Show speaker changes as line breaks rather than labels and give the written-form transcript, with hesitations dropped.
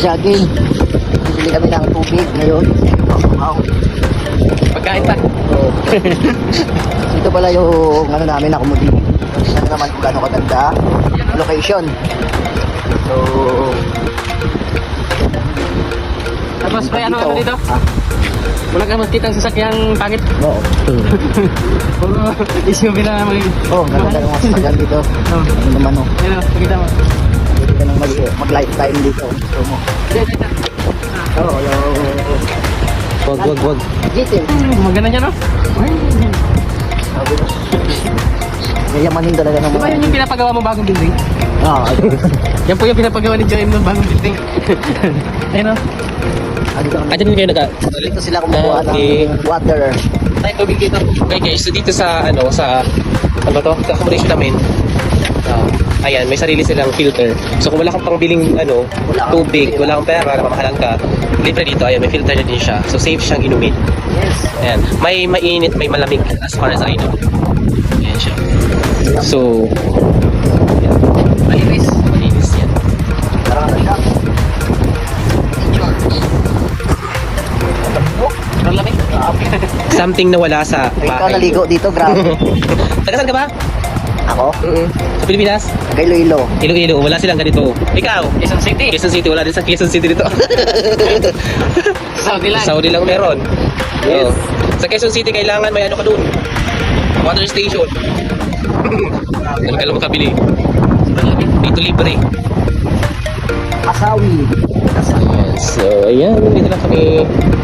jogging. Bibili kami ng tubig ngayon. Wow.
Pagkain pa.
So, ito pala yung ano namin, accommodation. Ano naman kung gaano kaganda location. So,
Tapos may ano dito?
Ha?
Wala ka makita ang sasakyang pangit.
Oo.
Puro SUV na naman.
Oh, ganda ng mga sasakyan dito.
Oh.
Ano naman oh.
Ayun, pakita mo.
Pwede ka nang mag-lifetime dito. Gusto mo. Oo,
Wag.
Gitin.
Maganda niya, no?
Sabi mo. Yayamanin talaga ng
Di ba
mga...
yun yung pinapagawa mo bagong building?
Oo.
Yan po yung pinapagawa ni Joem ng bagong building. Ayun, no?
Dito
kayo
dito sila kumukuha
Okay.
ng water.
Tayo tubig dito. Okay guys, so dito sa ano sa sa accommodation namin. Ayan, may sarili silang filter. So kung wala kang pangbiling tubig, wala kang pera, napamahalan ka, libre dito. Ayan, may filter na din siya. So safe siyang inumin.
Yes.
Ayan, may mainit, may malamig as far as I know. Ayan siya. So, ayan. Malinis yan.
Tara na siya.
Malamig. Something na wala sa
Ikaw
bahay.
naligo dito, grabe.
Taga saan ka ba?
Ako?
Sa Pilipinas?
Kay Iloilo.
Iloilo, wala silang ganito. Ikaw? Quezon City. Quezon City, wala din sa Quezon City dito.
Saudi lang.
Saudi lang meron.
Yes.
Oo. Sa Quezon City, kailangan may ano ka dun. Water station. Ano ka lang makabili? Dito libre.
Asawi.
So, ayan. Dito lang kami